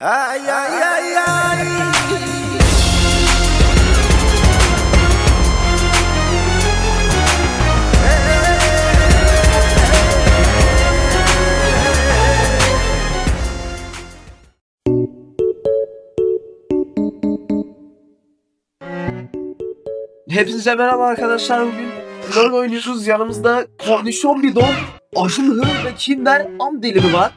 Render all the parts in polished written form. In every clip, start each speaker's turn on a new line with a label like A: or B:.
A: Ay ay ay ay. Hepinize merhaba arkadaşlar, bugün LoL oynuyoruz. Yanımızda Kornişon Bidon, Aşırı ve Kinder Am Dilimi var.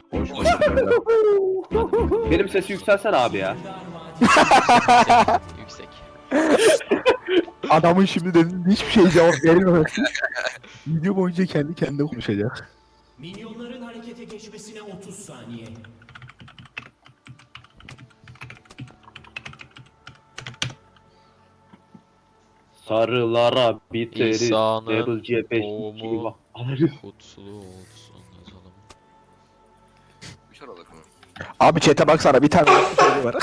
B: Benim sesi yükselsene abi ya.
C: Yüksek.
D: Adamın şimdi dediğinde hiçbir şey cevap vermiyor. Video boyunca kendi kendine konuşacak.
E: Minyonların harekete geçmesine 30 saniye.
B: Sarılara biteriz.
C: İsa'nın
B: Double C5
C: doğumu
B: alırız.
C: kutlu olsun yazalım.
D: Abi chat'e baksana, bir tane soru var.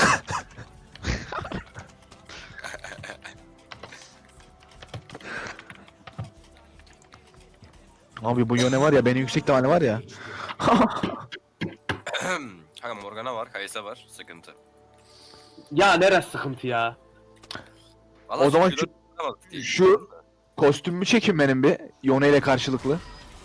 D: Abi bu yöne var ya, beni yüksek ihtimalle var ya.
F: Kanka Morgana var, Kaysa var. Sıkıntı.
B: Ya neresi sıkıntı ya?
F: Vallahi
D: O zaman
F: şu tutamadık diye.
D: şu kostümümü çekin benim bir. Yone ile karşılıklı.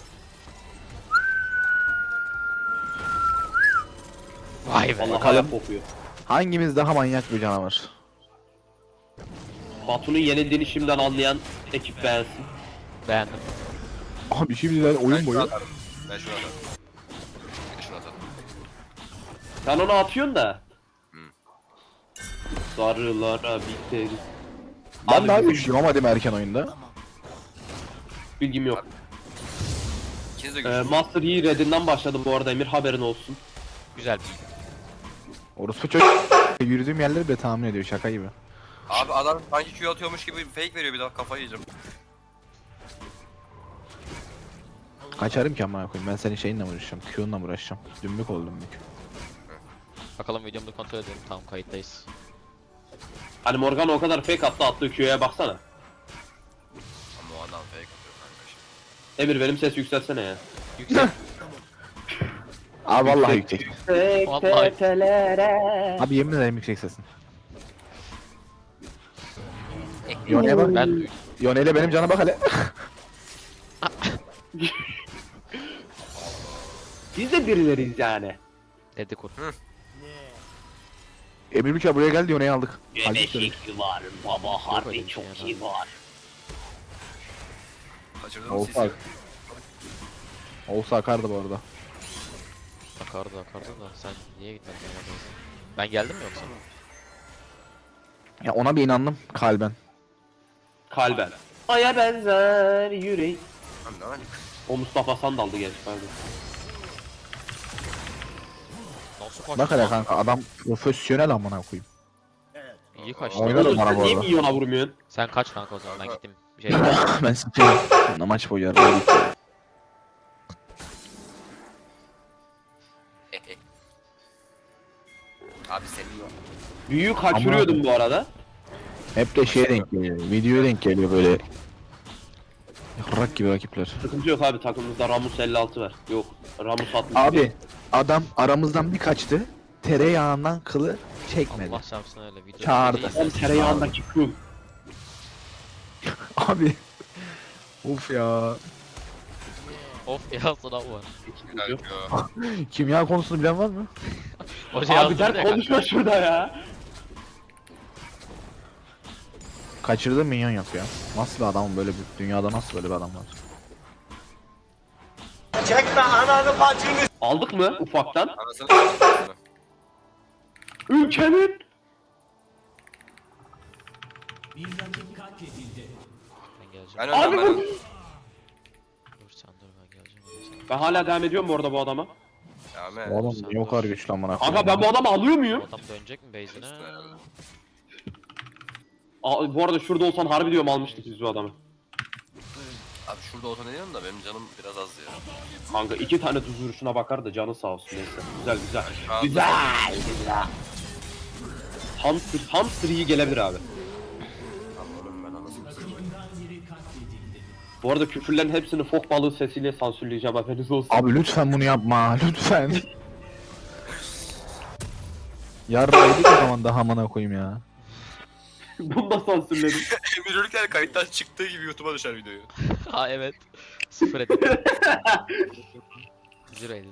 C: Vay be.
B: Vallahi hayat kokuyor.
D: Hangimiz daha manyak bir canavar?
B: Batu'nun yenildiğini şimdiden anlayan ekip beğensin.
C: Beğendim.
D: Abi şimdiden
F: Ben
D: oyun
F: şunu
D: boyu.
F: atarım. Ben şunu atarım. Bir de şunu atarım.
B: Sen onu atıyorsun da.
F: Hı.
B: Sarılara biteriz.
D: Ben
B: Abi
D: daha
B: bizim
D: güçlüyüm ama değil mi erken oyunda?
B: bilgim yok.
F: İkiniz de güçlü.
B: Master Yi Red'inden başladım bu arada Emir, haberin olsun.
C: Güzel.
D: Orospu çocuk yürüdüğüm yerleri bile tahmin ediyor, şaka gibi.
F: Abi adam sanki Q atıyormuş gibi fake veriyor, bir daha kafayı yiyeceğim.
D: Kaçarım ki amına koyayım, ben senin şeyinle mi uğraşacağım, Q'unla mı uğraşacağım? Dümbük ol dümbük.
C: Bakalım videomu kontrol edelim. Tamam, kayıttayız.
B: Hani Morgana o kadar fake attı, attığı Q'ya baksana.
F: Ama o adam fake atıyor kanka şimdi.
B: Emir benim ses yükselsene ya.
C: Yüksek.
D: Abi vallahi yüksek.
C: Vallahi.
D: Abi yemin ederim yüksek sesin. Yone'ye bak.
C: Ben
D: Yone'yle benim cana bak hele.
B: Biz de birileriyiz yani.
C: dedikur.
D: Emir Bükçe buraya geldi, Yone'yi aldık. Halbuki
B: Geneşik var, baba
C: öyle
B: harbi
C: bir
B: çok
C: şey
B: iyi var.
F: Kaçırdığım
D: Olsa,
F: sisi.
D: olsa akardı bu arada.
C: Akardı da sen niye gitmedin ya? Ben geldim mi yoksa?
D: Ya ona bir inandım kalben.
B: Kalben. Aya benzer yürek.
F: Lan ne var?
B: O Mustafa Sandal'dı genç pardon.
C: Nasıl kaçtı?
D: Bak hele kanka, adam profesyonel amına koyayım.
C: İyi kaçtı.
D: Oynarım
B: Oğlum
D: bana
B: sen
D: bu
B: niye
D: arada.
B: milyona vurmuyorsun?
C: Sen kaç kanka o zaman, ben gittim. Bir şey
D: Ben sikeyim. Maç boyu yarın.
F: Abi senin
B: Büyüğü kaçırıyordum bu arada.
D: Hep de şeye denk geliyor. Videoya denk geliyor böyle. Rak gibi rakipler.
B: Sıkıntı yok abi, takımımızda Ramus 56 var. Yok, Ramus 60.
D: Abi adam aramızdan bir kaçtı. Tereyağından kılı çekmedi.
C: Allah şansına öyle video.
D: Çağırdı.
B: Hem tereyağındaki kum.
D: Abi. Uf ya.
C: Of ya, sınav var.
F: güzel
B: Yok.
F: Q.
D: Kimya konusunu bilen var mı?
C: Hoca
B: Abi
C: yazdırdı
B: dert
C: ya
B: konuşma
C: kanka.
B: şurada ya.
D: Kaçırdığım minyon yok ya. Nasıl bir adamım, böyle bir dünyada nasıl böyle bir adam var?
B: Aldık mı ufaktan?
F: Anasını s***.
B: Ülkenin.
E: Bir rakip katledildi.
C: Ben geleceğim.
F: Ben
B: Abi
F: önden
B: bu.
F: ben.
C: Dur sen dur, ben geleceğim. Hadi sen.
B: Ben hala devam ediyorum bu arada bu adama.
F: Ya
D: Bu
F: me.
D: adam niye o kadar güçlü amına koyayım?
B: Kanka ben bu adamı alıyor
C: Bu
B: muyum?
C: adam dönecek mi base'ine?
B: Bu arada şurada olsan harbi diyorum almıştık biz bu adamı.
F: Abi şurada olsa ne diyorsun da benim canım biraz az ya.
B: Kanka 2 tane tuz vuruşuna bakar da canı sağ olsun neyse. Güzel güzel.
F: Şu an-
B: Güzel. Hamster iyi gelebilir abi.
F: Allah'ım ben anasını s***.
B: Bu arada küfürlerin hepsini fok balığı sesiyle sansürleyeceğim, haberiniz olsun.
D: Abi lütfen bunu yapma, lütfen. Yarraydık o zaman daha amına koyayım ya.
B: Bunu da sansürledim.
F: Emir Ülker kayıttan çıktığı gibi YouTube'a düşer videoyu.
C: Ha evet. Sıfır edit. Zero edit.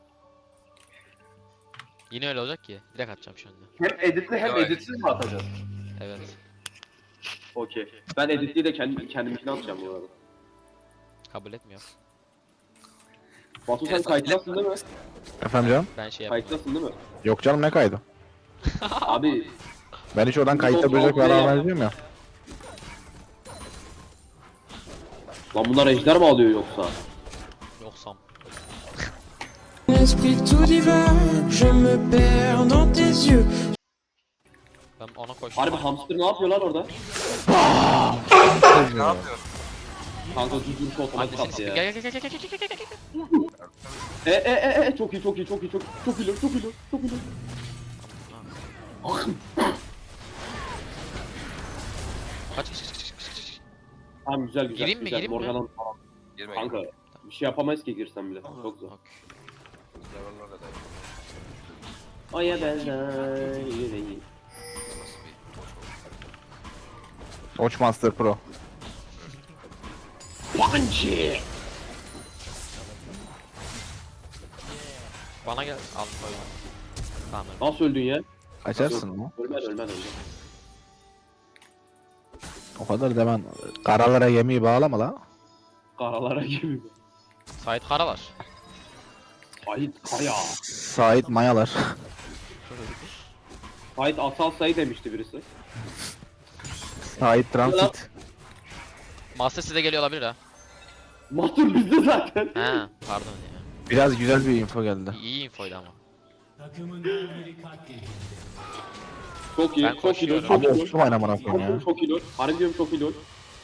C: Yine öyle olacak ki. Direkt atacağım şu anda.
B: Hem editli hem editsiz mi atacağız?
C: Evet.
B: Okey. Ben editliyi de kendimkine atacağım bu arada.
C: Kabul etmiyor.
B: Batu sen kayıtlasın değil mi?
D: Efendim canım?
C: Ben şey yapmıyorum.
B: Kayıtlasın değil mi?
D: Yok canım ne kaydı?
B: Abi
D: Ben hiç oradan kayıtta böcek var vermiyorum ya.
B: lan bunlar ejder mi alıyor yoksa?
C: Yoksam.
G: Esprit tout divin, je me perds dans tes yeux.
C: Ben ona koştum.
B: Harbi hamster ne yapıyor lan orada?
F: Ne yapıyor?
B: Kanka düzgün şu otomatik
C: Hadi
B: attı
C: sesi.
B: ya.
C: Gel gel gel gel gel gel gel gel.
B: Çok iyi çok iyi çok iyi çok çok iyi çok iyi çok iyi.
C: Kaç kaç kaç kaç kaç.
B: Tamam güzel güzel.
C: Gireyim mi,
B: güzel.
C: gireyim mi?
B: Morgan'ın
F: Girme.
B: kanka bir şey yapamayız ki girsen bile. Çok zor.
C: Okey.
F: Yalanlar da değil.
B: Aya benden yüreği.
F: Nasıl bir
D: Watch Master Pro.
B: Punchy.
C: Bana gel. Al koy. Tamam.
B: Nasıl öldün ya?
D: Açarsın mı?
B: Ölmeden.
D: O kadar da ben karalara yemeği bağlama la.
B: Karalara gibi.
C: Sait Karalar.
B: Sait Kaya.
D: Sait mayalar.
B: Sait asal sayı demişti birisi.
D: Sait Transit.
C: Master size geliyor olabilir ha.
B: Mahtur bizde zaten.
C: He. Pardon ya.
D: Biraz güzel bir info geldi.
C: İyi infoydu ama.
E: Takımından biri katledildi.
B: Çok iyi,
C: Ben
B: çok iyi,
C: koşuyorum.
B: çok
D: Abi
B: iyi.
D: osum oynamana koyayım ya.
B: Çok iyi. Harbi diyorum çok iyi.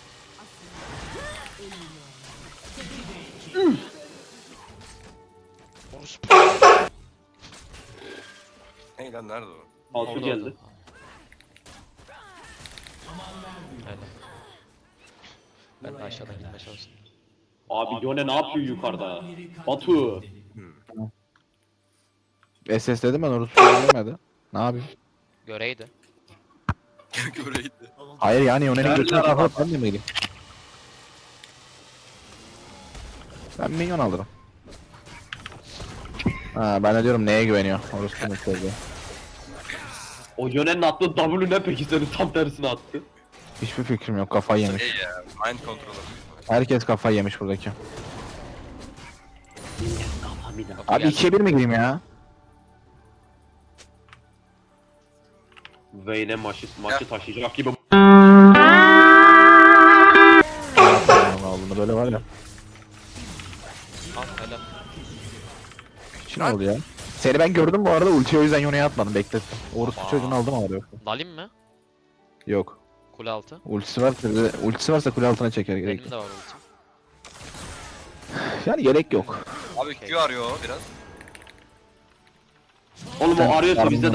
F: Hey lan nerede o?
B: Altı
C: Orada,
B: geldi.
C: orada. Öyle. Ben de aşağıdan gitmeye çalıştım.
B: Abi Yone ne yapıyor yukarıda? Batu.
D: SS dedim ben orası söylemedi. Ne yapayım?
C: Göreydi.
F: Göreydi.
D: Hayır yani Yone'nin
B: Nerede
D: götüne
B: araba?
D: kafa ben de mi gideyim? Ben minyon alırım. Ha ben de diyorum neye güveniyor? Orası konuşuyordu.
B: O Yone'nin attığı W ne peki senin tam tersine attı.
D: Hiçbir fikrim yok kafayı yemiş.
F: Şey ya, mind controller.
D: Herkes kafayı yemiş buradaki.
C: Kapı
D: Abi
C: geldi.
D: 2'ye 1 mi gireyim ya?
B: Vayne maçı taşıyacak gibi.
D: Allah'ım böyle var ya.
C: Al helal.
D: Şimdi oldu ya. Seni ben gördüm bu arada ultiyi o yüzden Yone'ye atmadım beklettim. Orospu
C: Aa.
D: çocuğunu aldım ama yoksa.
C: Dalim mi?
D: Yok.
C: Kule altı.
D: Ultisi varsa kule altına çeker gerek.
C: Benim de var ultim.
D: Yani gerek yok.
F: Abi Q arıyor biraz.
B: Oğlum o arıyorsa bizde de.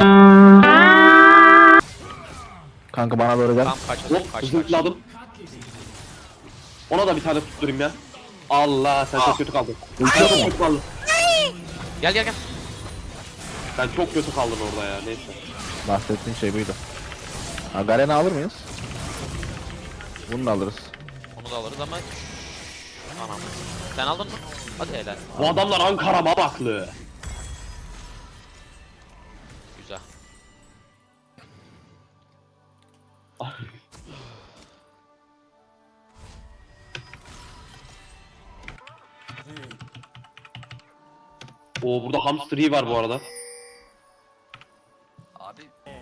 D: Kanka bana doğru gel.
C: Tam kaç
B: Hop
C: kaç.
B: zıpladım. Ona da bir tane tutturayım ya. Allah sen çok kötü kaldın.
D: Ulti
B: Çok
D: yok mu?
B: kötü kaldın.
C: Gel gel gel.
B: Sen çok kötü kaldın orada ya neyse.
D: Bahsettiğin şey buydu. Ha Garen'i alır mıyız? Bunu da alırız.
C: Onu da alırız ama... Anam. Sen aldın mı? Hadi helal.
B: Bu adamlar Ankara Mamaklı.
C: Güzel.
B: Oo burada hamster var bu arada.
F: Abi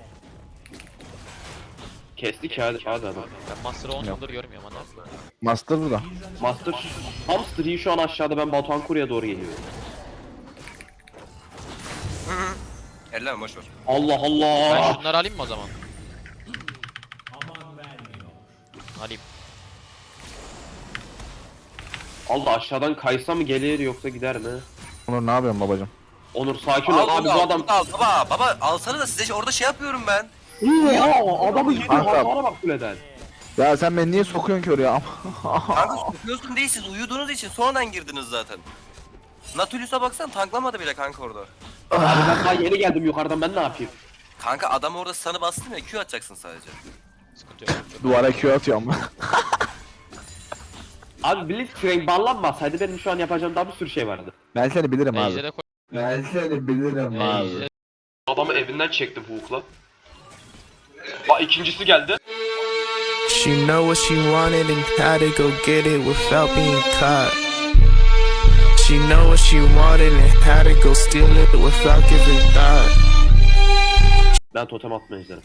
B: Kestik hadi adam.
C: Ben Master'ı 10 yıldır görmüyorum hadi.
D: Master burada.
B: Master hamster şu an aşağıda ben Batuhan Kuru'ya doğru geliyorum.
F: elleme boş ver.
B: Allah
C: Ben
B: Allah.
C: şunları alayım mı o zaman?
E: Aman vermiyor.
C: Alayım.
B: Allah aşağıdan kaysa mı gelir yoksa gider mi?
D: Onur ne yapıyorsun babacım?
B: Onur sakin ol abi bu adam.
F: Baba alsana da size orada şey yapıyorum ben.
B: Oo, adamı yedi
D: Kanka.
B: hasara bak kuleden.
D: Ya sen beni niye sokuyorsun ki oraya?
F: Kanka sokuyorsun değil siz uyuduğunuz için sonradan girdiniz zaten. Natulius'a baksan tanklamadı bile kanka orada.
B: Abi ben daha yeni geldim yukarıdan ben ne yapayım?
F: Kanka adam orada sana bastın ya Q atacaksın sadece.
C: Sıkıntı yok. Çok
D: Duvara Q atıyorum.
B: Abi Blitzcrank banlanmasaydı benim şu an yapacağım daha bir sürü şey vardı.
D: Ben seni bilirim abi.
C: Ejder'e koy.
D: Ben seni bilirim abi.
C: Ejder.
B: Adamı evinden çektim Hook'la. Bak ikincisi geldi.
H: She know what she wanted and how to go get it without being caught. She know what she wanted and how to go steal it without giving thought.
B: Ben totem atmayacağım.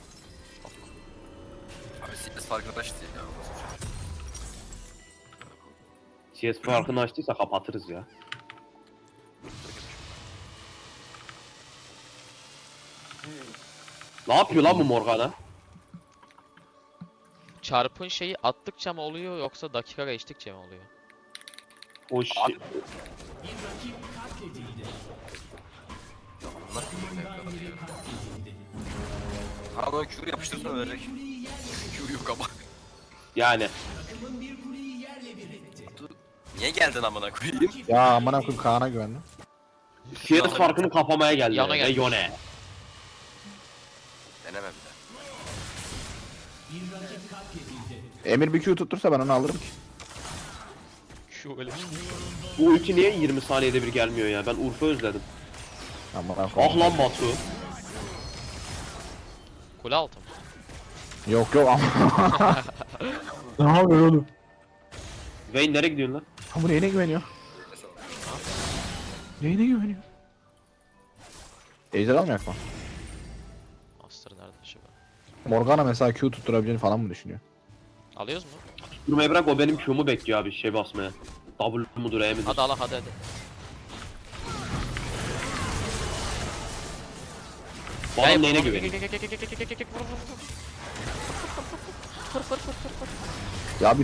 F: Abi CS farkına taştı ya.
B: CS farkını açtıysa kapatırız ya. Ne yapıyor lan bu Morgana?
C: Çarpın şeyi attıkça mı oluyor yoksa dakika geçtikçe mi oluyor?
B: O şey...
F: Abi. Bunlar ne kadar ya. Ama Q yapıştırsan ölecek. Q yok ama.
B: Yani.
F: Niye geldin amına koyayım?
D: Ya amına koyayım Kaan'a güvendim.
B: CS farkını kapamaya geldi.
C: Yana
B: Ve
C: geldi.
B: Yone.
F: Deneme bir de.
D: Emir bir Q tuttursa ben onu alırım ki.
C: Şu öyle.
B: Bu ulti niye 20 saniyede bir gelmiyor ya? Ben Urfa özledim.
D: Amına
B: Ah
D: koyayım.
B: lan Batu.
C: Kule altı mı?
D: Yok yok ama. Ne yapıyor oğlum?
B: Vayne nereye gidiyorsun lan?
D: Ha bu neyine güveniyor? Neyine güveniyor? Ejder almayak mı?
C: Master nerede acaba?
D: Morgana mesela Q tutturabileceğini falan mı düşünüyor?
C: Alıyoruz mu?
B: Durmayı bırak o benim Q'mu bekliyor abi şey basmaya. W mudur E midir?
C: Hadi Allah hadi.
B: Bu adam neyine güveniyor?
D: Ya bir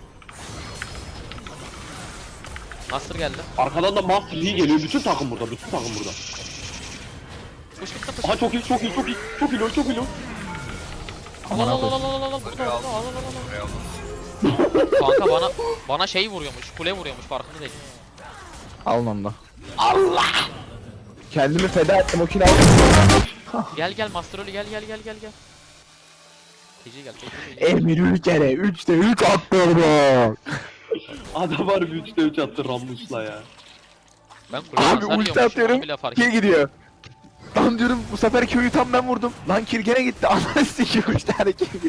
C: Master geldi.
B: Arkadan da Master Yi geliyor. Bütün takım burada. Bütün takım burada.
C: Push bitti push.
B: Aha çok iyi çok iyi çok iyi. Çok iyi çok iyi.
C: Al al al al al al al burada al al al. Kanka bana şey vuruyormuş, kule vuruyormuş farkında değilim.
D: alın onu da. Allah! Kendimi feda ettim o kill aldım.
C: Gel Master Oli gel. TC gel.
D: Emir 3 kere 3'te 3 attırdı.
B: Adam var 3'te 3 attı Rammus'la ya.
C: Ben kule
D: Abi ulti atıyorum. Kill gidiyor. Lan diyorum bu sefer Q'yu tam ben vurdum. Lan kill gene gitti. Anasını sikiyor 3 tane kill gidiyor.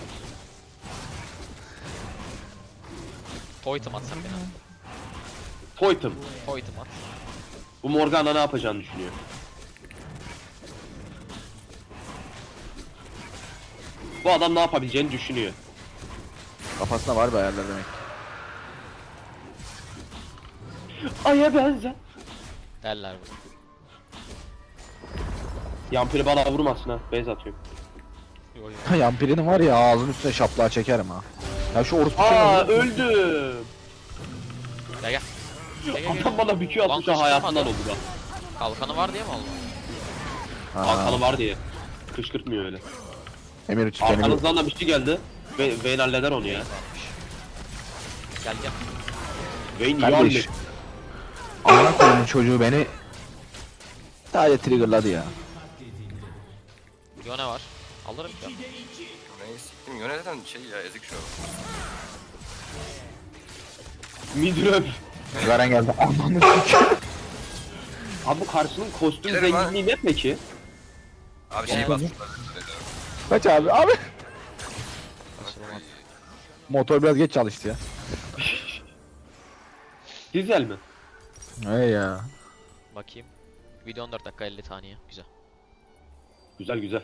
C: Poitum atsak beni.
B: Poitum.
C: Poitum at.
B: Bu Morgana ne yapacağını düşünüyor. Bu adam ne yapabileceğini düşünüyor.
D: Kafasında var bir ayarlar demek.
B: Aya benzer.
C: Derler bu.
B: Yampiri bana vurmasın ha. Base atıyorum.
C: Yo, yo.
D: Yampirinin var ya ağzının üstüne şaplığa çekerim ha. Ya şu orospu
B: Aa
D: çocuğu-
B: öldüm.
C: Gel.
B: Adam bana bir Q atmış
C: Lan
B: ha hayatından
C: kışkırtmadı.
B: oldu bak.
C: Kalkanı var diye mi oldu?
D: Ha,
B: Kalkanı var diye. Kışkırtmıyor öyle.
D: Emir 3 kendini
B: Arkanızdan da bir şey geldi. Vayne halleder onu ya.
C: Gel.
B: Vayne iyi
D: Kardeş.
B: halleder.
D: Amına koyduğum çocuğu beni sadece triggerladı ya.
C: Yone var. Alırım ya.
F: Neyi siktim yöneten şey ya ezik şu an.
B: Midröp.
D: Garen geldi. Amanı sikeyim.
B: Abi bu karşının kostüm
F: Gidelim ha.
B: zenginliği ne peki?
F: Abi şey bas.
D: Kaç abi abi. Motor biraz geç çalıştı ya.
B: Dizel mi?
D: Hey ya.
C: Bakayım. Video 14 dakika 50 saniye. Güzel.
B: Güzel güzel.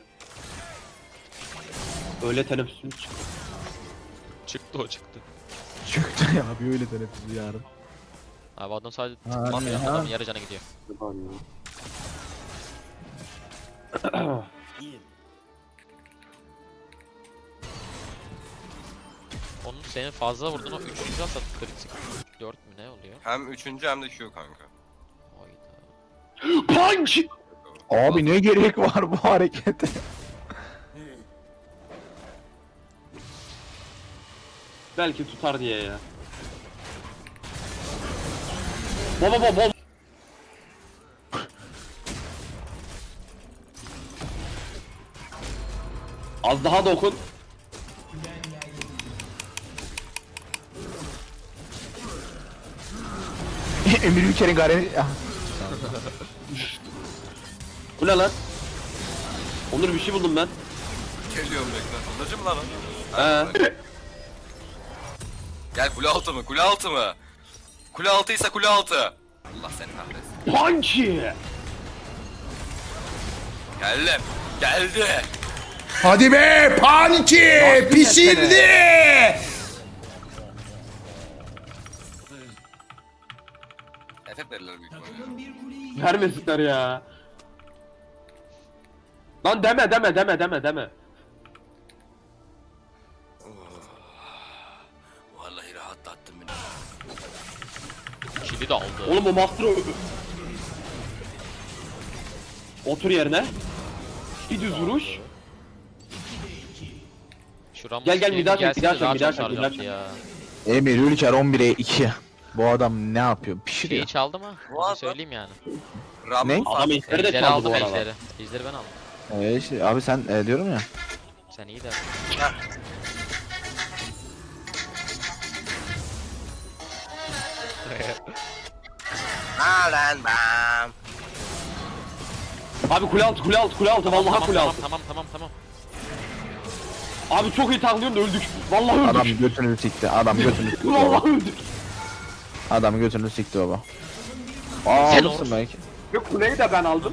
B: Öyle teneffüsüm çıktı.
C: Çıktı o çıktı.
D: Çıktı ya bir öyle teneffüsü yarın.
C: Abi adam sadece
D: Ha,
C: tıklamıyor.
D: ha.
C: Adamın yarı canı gidiyor. Onun senin fazla vurdun o 3. atsa kritik 4 mü ne oluyor?
F: Hem üçüncü hem de Q kanka.
C: Hayda.
B: Punch!
D: Abi ne gerek var bu harekete?
B: Belki tutar diye ya. Bom. Az daha dokun.
D: Emir Ülker'in gareni... Ah,
B: Bu ne lan? Onur bir şey buldum ben.
F: Geliyorum bekle. Onurcu mu lan o?
B: He.
F: Gel kule altı mı? Kule altı mı? Kule altıysa kule altı. Allah seni kahretsin.
B: Punky.
F: Geldim. Geldi.
I: Hadi be Panki pişirdi.
F: Efekt verirler büyük ihtimalle.
B: Vermesinler ya. Lan deme.
F: Vallahi rahatlattın beni.
C: Kili de aldı.
B: Oğlum o master otur yerine. Bir düz vuruş.
C: Şuram
B: Gel, bir daha çek,
C: gelseydi
B: bir daha çek,
C: daha
B: bir daha
C: çok
B: çek, bir daha
C: saracaktı
B: çek.
C: ya.
D: Emir Ülker 11'e 2. Bu adam ne yapıyor? Pişiriyor.
C: Şeyi çaldı mı?
F: Bu
C: Onu
F: adam-
C: söyleyeyim yani.
F: Rambo
D: Ne?
B: Adam ejderi de
C: Ejderi
B: çaldı
C: aldım
B: bu arada.
C: ejderi. Ejderi ben aldım.
D: İşte, abi sen diyorum ya.
C: Sen iyi de.
F: Lan bam.
B: Abi kule altı vallahi kule altı.
C: Tamam.
B: Abi çok iyi tanklıyorsun da öldük. Vallahi öldük.
D: Adam götünü sikti. Adam götünü sikti.
B: Vallahi öldük.
D: Adam götünü sikti baba. Aa
C: Sen
D: alırsın belki.
B: Ve kuleyi de ben aldım.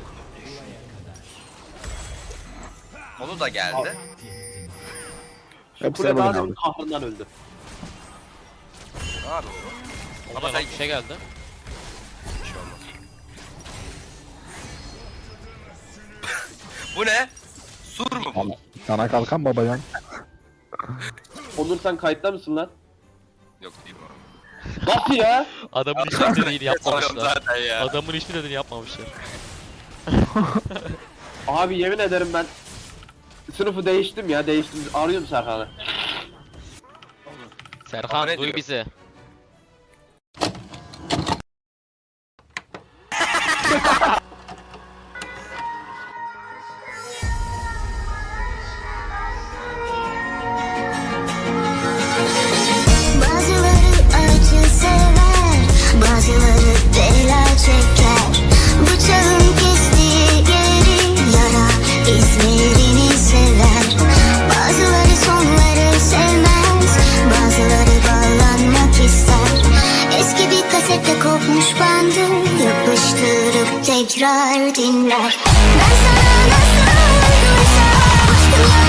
F: Onu da geldi.
D: Hepsini
B: Kule
D: bugün
B: daha
D: aldık.
B: demin kahrından öldü.
F: Ne yapıyor bu?
C: Ama bir şey geldi.
F: Bu ne? Sur mu bu?
D: Sana kalkan babacan.
B: Onur sen kayıtta mısın lan?
F: Yok değil bu.
B: Nasıl ya?
C: Adamın hiçbir dediğini
F: Sanıyorum
C: yapmamışlar.
F: zaten ya.
C: Adamın hiçbir dediğini yapmamışlar.
B: Abi yemin ederim ben sınıfı değiştim ya arıyorum Serkan'ı.
C: Serkan
F: ne
C: duy
F: diyor?
C: bizi.
J: Bazıları acı sever, bazıları bela çeker. Bıçağın kestiği yeri yara izlerini sever. Bazıları sonları sevmez, bazıları bağlanmak ister. Eski bir kasette kopmuş bandı yapıştırıp tekrar dinler. Ben sana nasıl olduysam aşkım